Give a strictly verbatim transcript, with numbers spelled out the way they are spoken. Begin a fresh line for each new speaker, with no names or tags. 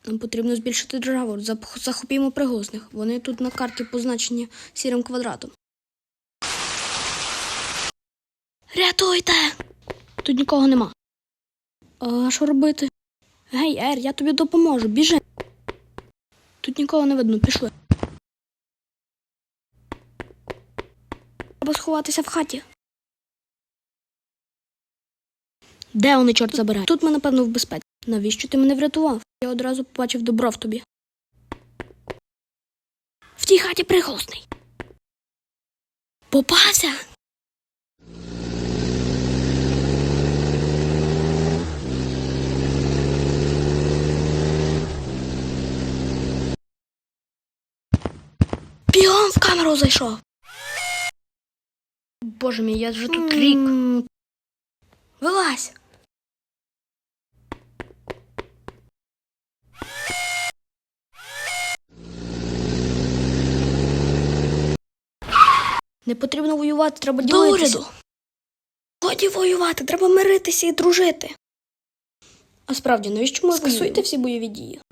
Нам потрібно збільшити державу. Захопімо пригосних. Вони тут на карті позначені сірим квадратом. Рятуйте! Тут нікого нема. А що робити? Гей, Ер, я тобі допоможу. Біжи. Тут нікого не видно. Пішли. Треба сховатися в хаті. Де вони, чорт забирає? Тут ми, напевно, в безпеці. Навіщо ти мене врятував? Я одразу побачив добро в тобі. В тій хаті прихолосний. Попався! Бігом в камеру зайшов. Боже мій, я вже тут рік. Вилазь. Не потрібно воювати, треба ділитися. До уряду. Годі воювати, треба миритися і дружити. А справді, навіщо ми скасуйте всі бойові дії?